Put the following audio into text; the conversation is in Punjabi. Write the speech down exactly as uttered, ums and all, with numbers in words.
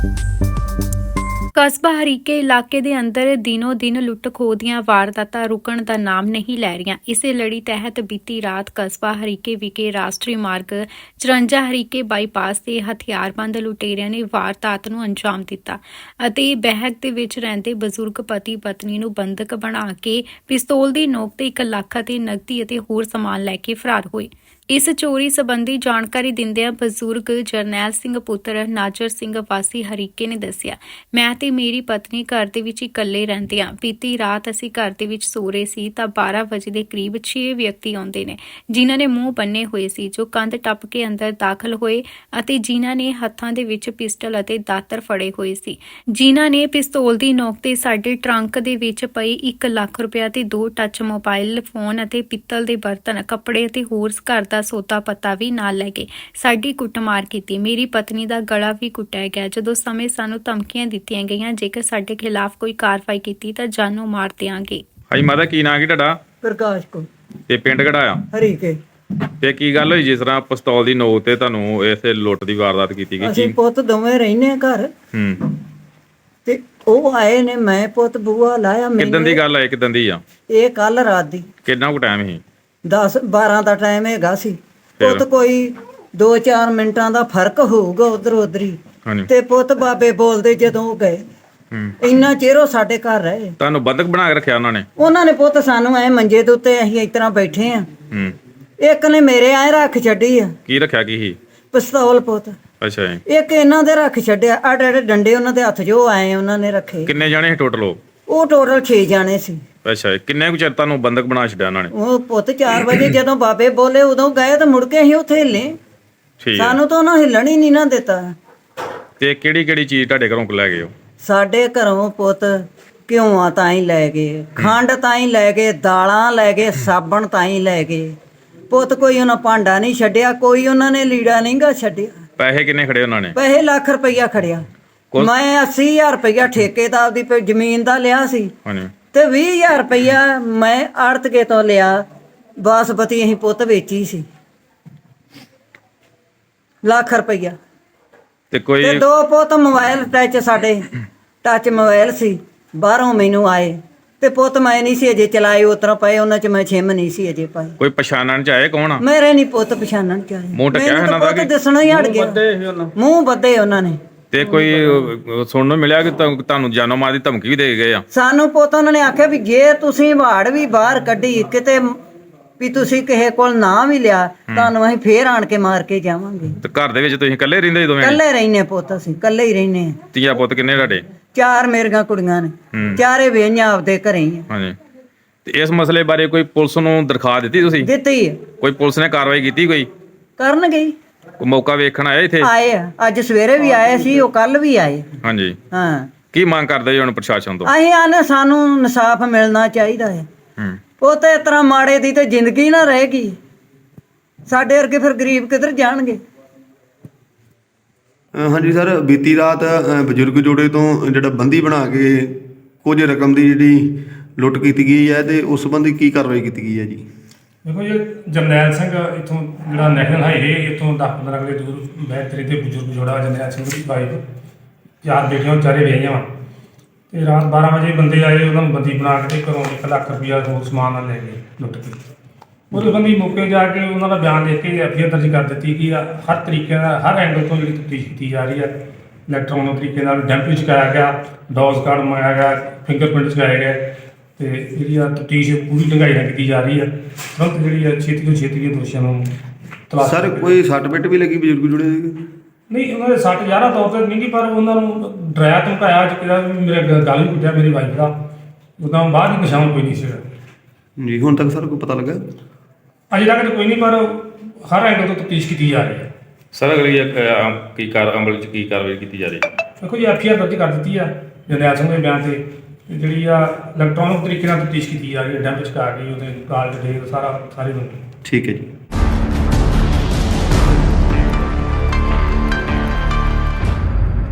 ਕਸਬਾ ਹਰੀਕੇ ਇਲਾਕੇ ਦੇ ਅੰਦਰ ਦਿਨੋ ਦਿਨ ਲੁੱਟ ਖੋਹ ਦੀਆਂ ਵਾਰਦਾਤਾਂ ਰੁਕਣ ਦਾ ਨਾਮ ਨਹੀਂ ਲੈ ਰਹੀਆਂ। ਇਸੇ ਲੜੀ ਤਹਿਤ ਬੀਤੀ ਰਾਤ ਕਸਬਾ ਹਰੀਕੇ ਵਿਖੇ ਰਾਸ਼ਟਰੀ ਮਾਰਗ ਚੁਰੰਜਾ ਹਰੀਕੇ ਬਾਈਪਾਸ ਤੇ ਹਥਿਆਰਬੰਦ ਲੁਟੇਰਿਆਂ ਨੇ ਵਾਰਦਾਤ ਨੂੰ ਅੰਜਾਮ ਦਿੱਤਾ ਅਤੇ ਬਹਿਕ ਦੇ ਵਿੱਚ ਰਹਿੰਦੇ ਬਜ਼ੁਰਗ ਪਤੀ ਪਤਨੀ ਨੂੰ ਬੰਦਕ ਬਣਾ ਕੇ ਪਿਸਤੌਲ ਦੀ ਨੋਕ ਤੇ ਇੱਕ ਲੱਖ ਅਤੇ ਨਕਦੀ ਅਤੇ ਹੋਰ ਸਮਾਨ ਲੈ ਕੇ ਫਰਾਰ ਹੋਏ। ਇਸ ਚੋਰੀ ਸੰਬੰਧੀ ਜਾਣਕਾਰੀ ਦਿੰਦਿਆਂ ਬਜ਼ੁਰਗ ਜਰਨੈਲ ਸਿੰਘ ਪੁੱਤਰ ਨਾਜਰ ਸਿੰਘ ਵਾਸੀ ਹਰੀਕੇ ਨੇ ਦੱਸਿਆ, ਮੈਂ ਤੇ ਮੇਰੀ ਪਤਨੀ ਘਰ ਦੇ ਵਿੱਚ ਇਕੱਲੇ ਰਹਿੰਦੇ ਹਾਂ। ਬੀਤੀ ਰਾਤ ਅਸੀਂ ਘਰ ਦੇ ਵਿੱਚ ਸੋ ਰਹੇ ਸੀ ਤਾਂ ਬਾਰਾਂ ਵਜੇ ਦੇ ਕਰੀਬ ਛੇ ਵਿਅਕਤੀ ਆਉਂਦੇ ਨੇ ਜਿਨ੍ਹਾਂ ਨੇ ਮੂੰਹ ਬੰਨੇ ਹੋਏ ਸੀ, ਜੋ ਕੰਧ ਟੱਪ ਕੇ ਅੰਦਰ ਦਾਖਲ ਹੋਏ ਅਤੇ ਜਿਨ੍ਹਾਂ ਨੇ ਹੱਥਾਂ ਦੇ ਵਿੱਚ ਪਿਸਟਲ ਅਤੇ ਦਾਤਰ ਫੜੇ ਹੋਏ ਸੀ, ਜਿਨ੍ਹਾਂ ਨੇ ਪਿਸਤੌਲ ਦੀ ਨੋਕ ਤੇ ਸਾਡੇ ਟਰੰਕ ਦੇ ਵਿੱਚ ਪਈ ਇੱਕ ਲੱਖ ਰੁਪਇਆ ਤੇ ਦੋ ਟੱਚ ਮੋਬਾਈਲ ਫੋਨ ਅਤੇ ਪਿੱਤਲ ਦੇ ਬਰਤਨ, ਕੱਪੜੇ ਅਤੇ ਹੋਰ ਘਰ ਦਾ ਸੌਦਾ ਪੱਤਾ ਵੀ ਨਾਲ ਲੈ ਗਏ। ਸਾਡੀ ਕੁੱਟਮਾਰ ਕੀਤੀ, ਮੇਰੀ ਪਤਨੀ ਦਾ ਗਲਾ ਵੀ ਕੁੱਟਿਆ ਗਿਆ। ਜਦੋਂ ਸਮੇਂ ਸਾਨੂੰ ਧਮਕੀਆਂ ਦਿੱਤੀਆਂ ਗਈਆਂ, ਜੇਕਰ ਸਾਡੇ ਖਿਲਾਫ ਕੋਈ ਕਾਰਵਾਈ ਕੀਤੀ ਤਾਂ ਜਾਨੋਂ ਮਾਰ ਦਿਆਂਗੇ। ਹਾਂਜੀ ਮਾਤਾ, ਕੀ ਨਾਂ ਕੀ ਤੁਹਾਡਾ? ਪ੍ਰਕਾਸ਼ ਕੋ ਤੇ ਪਿੰਡ ਕਿਹੜਾ ਆ? ਹਰੀਕੇ। ਤੇ ਕੀ ਗੱਲ ਹੋਈ ਜਿਸ ਤਰ੍ਹਾਂ ਪਿਸਤੌਲ ਦੀ ਨੋਕ ਤੇ ਤੁਹਾਨੂੰ ਇਸੇ ਲੁੱਟ ਦੀ ਵਾਰਦਾਤ ਕੀਤੀ ਗਈ? ਅਸੀਂ ਪੁੱਤ ਦੋਵੇਂ ਰਹਿੰਦੇ ਘਰ ਹੂੰ ਤੇ ਉਹ ਆਏ ਨੇ, ਮੈਂ ਪੁੱਤ ਬੂਆ ਲਾਇਆ। ਕਿਦਾਂ ਦੀ ਗੱਲ ਹੈ? ਕਿਦਾਂ ਦੀ ਆ ਇਹ ਕੱਲ ਰਾਤ ਦੀ ਕਿੰਨਾ ਕੁ ਟਾਈਮ ਸੀ? ਦਸ ਬਾਰਾਂ ਦਾ ਟਾਈਮ ਹੈਗਾ ਸੀ। ਫਿਰ? ਪੁੱਤ ਕੋਈ ਦੋ ਚਾਰ ਮਿੰਟਾਂ ਦਾ ਫਰਕ ਹੋਊਗਾ ਉਧਰ ਉਧਰੀ। ਹਾਂਜੀ। ਤੇ ਪੁੱਤ ਬਾਬੇ ਬੋਲਦੇ ਜਦੋਂ ਉਹ ਗਏ, ਹੂੰ ਇੰਨਾ ਚਿਰ ਉਹ ਸਾਡੇ ਘਰ ਰਹੇ। ਤੁਹਾਨੂੰ ਬੰਦਕ ਬਣਾ ਕੇ ਰੱਖਿਆ ਉਹਨਾਂ ਨੇ? ਉਹਨਾਂ ਨੇ ਪੁੱਤ ਸਾਨੂੰ ਐ ਮੰਜੇ ਦੇ ਉੱਤੇ ਅਸੀਂ ਇਸ ਤਰ੍ਹਾਂ ਬੈਠੇ ਆ, ਹੂੰ ਇੱਕ ਨੇ ਮੇਰੇ ਐ ਰੱਖ ਛੱਡੀ ਆ ਕੀ ਰੱਖਿਆ ਕੀ ਸੀ? ਪਿਸਤੌਲ ਪੁੱਤ। ਅੱਛਾ ਜੀ। ਇੱਕ ਇਹਨਾਂ ਦੇ ਰੱਖ ਛੱਡਿਆ, ਆੜੇ ਆੜੇ ਡੰਡੇ ਉਹਨਾਂ ਦੇ ਹੱਥ ਜੋ ਆਏ ਉਹਨਾਂ ਨੇ ਰੱਖੇ। ਕਿੰਨੇ ਜਾਣੇ ਸੀ ਟੋਟਲ ਉਹ? ਉਹ ਟੋਟਲ ਛੇ ਜਾਣੇ ਸੀ। ਅੱਛਾ ਜੀ। ਕਿੰਨੇ ਕੁ ਚਿਰ ਤੁਹਾਨੂੰ ਬੰਦਕ ਬਣਾ ਛੱਡਿਆ ਉਹਨਾਂ ਨੇ? ਉਹ ਪੁੱਤ ਚਾਰ ਵਜੇ ਜਦੋਂ ਬਾਬੇ ਬੋਲੇ ਉਦੋਂ ਗਏ ਤਾਂ ਮੁੜ ਕੇ ਅਸੀਂ ਉੱਥੇ ਹਿੱਲੇ। ਠੀਕ ਹੈ। ਸਾਨੂੰ ਤਾਂ ਉਹਨਾਂ ਹਿੱਲਣ ਹੀ ਨਹੀਂ ਨਾ ਦਿੱਤਾ। ਤੇ ਕਿਹੜੀ ਕਿਹੜੀ ਚੀਜ਼ ਤੁਹਾਡੇ ਘਰੋਂ ਲੈ ਗਏ ਹੋ? ਸਾਡੇ ਘਰੋਂ ਪੁੱਤ ਘਿਓਆਂ ਤਾਂ ਹੀ ਲੈ ਗਏ, ਖੰਡ ਤਾਂ ਹੀ ਲੈ ਗਏ, ਦਾਲਾਂ ਲੈ ਗਏ, ਸਾਬਣ ਤਾਂ ਹੀ ਲੈ ਗਏ ਪੁੱਤ। ਕੋਈ ਉਹਨਾਂ ਭਾਂਡਾ ਨਹੀਂ ਛੱਡਿਆ, ਕੋਈ ਉਹਨਾਂ ਨੇ ਲੀੜਾ ਨਹੀਂ ਗਾ ਛੱਡਿਆ। ਪੈਸੇ ਕਿੰਨੇ ਖੜੇ ਉਹਨਾਂ ਨੇ? ਪੈਸੇ ਲੱਖ ਰੁਪਈਆ ਖੜਿਆ। ਮੈਂ ਅੱਸੀ ਹਜ਼ਾਰ ਰੁਪਈਆ ਠੇਕੇ ਦਾ ਆਪਦੀ ਪ- ਜ਼ਮੀਨ ਦਾ ਲਿਆ ਸੀ ਹਾਂਜੀ। ਤੇ ਵੀਹ ਹਜ਼ਾਰ ਰੁਪਈਆ ਮੈਂ ਆੜਤਕੇ ਤੋਂ ਲਿਆ। ਬਾਸਪਤੀ ਅਸੀਂ ਪੁੱਤ ਵੇਚੀ ਸੀ, ਲੱਖ ਰੁਪਈਆ। ਤੇ ਕੋਈ ਤੇ ਦੋ ਪੁੱਤ ਮੋਬਾਈਲ ਟੱਚ, ਸਾਡੇ ਟੱਚ ਮੋਬਾਈਲ ਸੀ, ਬਾਹਰੋਂ ਮੈਨੂੰ ਆਏ ਤੇ ਪੁੱਤ ਮੈਂ ਨਹੀਂ ਸੀ ਅਜੇ ਚਲਾਏ, ਉਤਰ ਪਏ ਉਹਨਾਂ ਚ ਮੈਂ ਛਿਮ ਨਹੀਂ ਸੀ ਅਜੇ ਪਾਈ। ਕੋਈ ਪਛਾਣਨ ਚ ਆਏ ਕੌਣ ਆ? ਮੇਰੇ ਨਹੀਂ ਪੁੱਤ ਪਛਾਣਨ ਚ ਆਏ। ਮੂੰਹ ਢੱਕਿਆ ਮੈਨੂੰ ਇਹਨਾਂ ਤਾਂ ਦਾ ਪੁੱਤ ਕਿ- ਦਿਸਣਾ ਹੀ ਹਟ ਗਿਆ, ਮੂੰਹ ਬੱਧੇ ਉਹਨਾਂ ਨੇ। ਤੇ ਕੋਈ ਅਹ, ਸੁਣਨ ਨੂੰ ਮਿਲਿਆ ਕਿ ਤੁਹਾਨੂੰ ਤੁਹਾਨੂੰ ਜਾਨੋਂ ਮਾਰ ਦੀ ਧਮਕੀ ਵੀ ਦੇ ਗਏ ਆ? ਸਾਨੂੰ ਪੁੱਤ ਉਹਨਾਂ ਨੇ ਆਖਿਆ ਵੀ ਜੇ ਤੁਸੀਂ ਵਾੜ ਵੀ ਬਾਹਰ ਕੱਢੀ ਕਿਤੇ ਵੀ ਤੁਸੀਂ ਕਿਸੇ ਕੋਲ ਨਾ ਵੀ ਲਿਆ, ਤੁਹਾਨੂੰ ਅਸੀਂ ਫੇਰ ਆਣ ਕੇ ਮਾਰ ਕੇ ਜਾਵਾਂਗੇ। ਤੇ ਘਰ ਦੇ ਵਿੱਚ ਤੁਸੀਂ ਇਕੱਲੇ ਰਹਿੰਦੇ ਜਦੋਂ? ਕੱਲੇ ਰਹਿਨੇ ਪੁੱਤ, ਅਸੀਂ ਕੱਲੇ ਹੀ ਰਹਿਨੇ ਆ। ਤੀਆ ਪੁੱਤ ਕਿੰਨੇ ਤੁਹਾਡੇ? ਚਾਰ ਮੇਰੀਆਂ ਕੁੜੀਆਂ ਨੇ, ਹੂੰ। ਚਾਰੇ ਵੇਹੀਆਂ ਆਪਦੇ ਘਰੇ ਹੀ ਆ। ਹਾਂਜੀ। ਤੇ ਇਸ ਮਸਲੇ ਬਾਰੇ ਕੋਈ ਪੁਲਿਸ ਨੂੰ ਦਰਖਾਸਤ ਦਿੱਤੀ ਤੁਸੀਂ? ਦਿੱਤੀ ਆ। ਕੋਈ ਪੁਲਿਸ ਨੇ ਕਾਰਵਾਈ ਕੀਤੀ? ਕੋਈ ਕਰਨਗੇ ਹੀ। ਕੋਈ ਮੌਕਾ ਵੇਖਣ ਆਇਆ ਇੱਥੇ? ਆਏ ਆ, ਅੱਜ ਸਵੇਰੇ ਵੀ ਆਏ ਸੀ, ਉਹ ਕੱਲ ਵੀ ਆਏ। ਹਾਂਜੀ। ਹਾਂ, ਕੀ ਮੰਗ ਕਰਦੇ ਜੀ ਹੁਣ ਪ੍ਰਸ਼ਾਸਨ ਤੋਂ? ਅਸੀਂ ਆਨੇ ਸਾਨੂੰ ਇਨਸਾਫ ਮਿਲਣਾ ਚਾਹੀਦਾ ਹੈ। ਹੂੰ। ਉਹ ਤੇ ਇਸ ਤਰ੍ਹਾਂ ਮਾੜੇ ਦੀ ਤੇ ਜ਼ਿੰਦਗੀ ਨਾ ਰਹੇਗੀ, ਸਾਡੇ ਵਰਗੇ ਫਿਰ ਗਰੀਬ ਕਿੱਧਰ ਜਾਣਗੇ। ਅ, ਹਾਂਜੀ ਸਰ, ਬੀਤੀ ਰਾਤ ਅ, ਬਜ਼ੁਰਗ ਜੋੜੇ ਤੋਂ ਜਿਹੜਾ ਬੰਦੀ ਬਣਾ ਕੇ ਕੁਝ ਰਕਮ ਦੀ ਜਿਹੜੀ ਲੁੱਟ ਕੀਤੀ ਗਈ ਹੈ ਤੇ ਉਸ ਸੰਬੰਧੀ ਕੀ ਕਾਰਵਾਈ ਕੀਤੀ ਗਈ ਹੈ ਜੀ? ਦੇਖੋ ਜੀ, ਜਰਨੈਲ ਸਿੰਘ ਇੱਥੋਂ ਜਿਹੜਾ ਨੈਸ਼ਨਲ ਹਾਈਵੇ ਇੱਥੋਂ ਦਸ ਪੰਦਰਾਂ ਕਿਲੇ ਦੂਰ ਬੈਤਰੀ ਤੇ ਬਜ਼ੁਰਗ ਜੋੜਾ ਜਰਨੈਲ ਸਿੰਘ ਦੀ ਵਾਈਫ, ਚਾਰ ਬੇਟੀਆਂ ਚਾਰੇ ਵਿਆਹੀਆਂ ਵਾ। ਤੇ ਰਾਤ ਬਾਰਾਂ ਵਜੇ ਬੰਦੇ ਆਏ, ਉਹਨਾਂ ਨੂੰ ਬੰਦੀ ਬਣਾ ਕੇ ਤੇ ਘਰੋਂ ਇੱਕ ਲੱਖ ਰੁਪਈਆ ਹੋਰ ਸਮਾਨ ਨਾਲ ਲੈ ਗਏ ਲੁੱਟ ਕੇ। ਉਹਦੇ ਬੰਦੀ ਮੌਕੇ ਜਾ ਕੇ ਉਹਨਾਂ ਦਾ ਬਿਆਨ ਲਿਖ ਕੇ ਐਫ ਆਈ ਆਰ ਦਰਜ ਕਰ ਦਿੱਤੀ ਕਿ ਹਰ ਤਰੀਕੇ ਨਾਲ ਹਰ ਐਂਗਲ ਤੋਂ ਜਿਹੜੀ ਤਫਤੀਸ਼ ਕੀਤੀ ਜਾ ਰਹੀ ਹੈ। ਇਲੈਕਟ੍ਰੋਨਿਕ ਤਰੀਕੇ ਨਾਲ ਡੈਂਪ ਚੁਕਾਇਆ ਗਿਆ, ਡੋਜ਼ ਕਾਰਡ ਮੰਗਾਇਆ ਗਿਆ, ਫਿੰਗਰਪ੍ਰਿੰਟ ਚੁਕਾਏ ਗਏ ਤੇ ਜਿਹੜੀ ਆ ਤਫਤੀਸ਼ ਪੂਰੀ ਢੰਗਾਈ ਨਾਲ ਕੀਤੀ ਜਾ ਰਹੀ ਹੈ। ਤੁਰੰਤ ਜਿਹੜੀ ਆ ਛੇਤੀ ਤੋਂ ਛੇਤੀ ਇਹ ਦੋਸ਼ੀਆਂ ਨੂੰ ਤਲਾਸ਼ ਸਰ ਕੋਈ ਸੱਟ ਪਿੱਟ ਵੀ ਲੱਗੀ ਬਜ਼ੁਰਗ ਜੋੜੇ ਦੇ? ਨਹੀਂ, ਉਹਨਾਂ ਦੇ ਸੱਟ ਜ਼ਿਆਦਾ ਤੌਰ ਤੇ ਨਹੀਂ ਗੀ, ਪਰ ਉਹਨਾਂ ਨੂੰ ਡਰਾਇਆ ਧਮਕਾਇਆ ਜਿਹੜਾ ਵੀ ਮੇਰੇ ਗ- ਗਲ ਵੀ ਕੁੱਟਿਆ ਮੇਰੀ ਵਾਈਫ ਦਾ। ਉਦੋਂ ਬਾਅਦ ਹੀ ਨਿਸ਼ਾਨ ਕੋਈ ਨਹੀਂ ਸੀਗਾ ਜੀ। ਹੁਣ ਤੱਕ ਸਰ ਕੋਈ ਪਤਾ ਲੱਗਾ? ਅਜੇ ਤੱਕ ਤਾਂ ਕੋਈ ਨਹੀਂ, ਪਰ ਹਰ ਐਂਗਲ ਤੋਂ ਤਫਤੀਸ਼ ਕੀਤੀ ਜਾ ਰਹੀ ਹੈ। ਸਰ ਅਗਲੀ ਅਹ, ਕੀ ਕਾਰ ਅਮਲ ਚ ਕੀ ਕਾਰਵਾਈ ਕੀਤੀ ਜਾ ਰਹੀ ਹੈ? ਦੇਖੋ ਜੀ, ਐਫ ਆਈ ਆਰ ਦਰਜ ਕਰ ਦਿੱਤੀ ਆ ਜਰਨੈਲ ਸਿੰਘ ਦੇ ਬਿਆਨ ਤੇ ਤੇ ਜਿਹੜੀ ਆ ਇਲੈਕਟ੍ਰੋਨਿਕ ਤਰੀਕੇ ਨਾਲ ਤਫਤੀਸ਼ ਕੀਤੀ ਜਾ ਰਹੀ ਹੈ, ਡੈਂਪ ਚੁਕਾ ਕੇ ਉਹਦੇ ਕਾਲ ਡਿਟੇਲ ਸਾਰਾ ਸਾਰੇ ਨੂੰ। ਠੀਕ ਹੈ ਜੀ।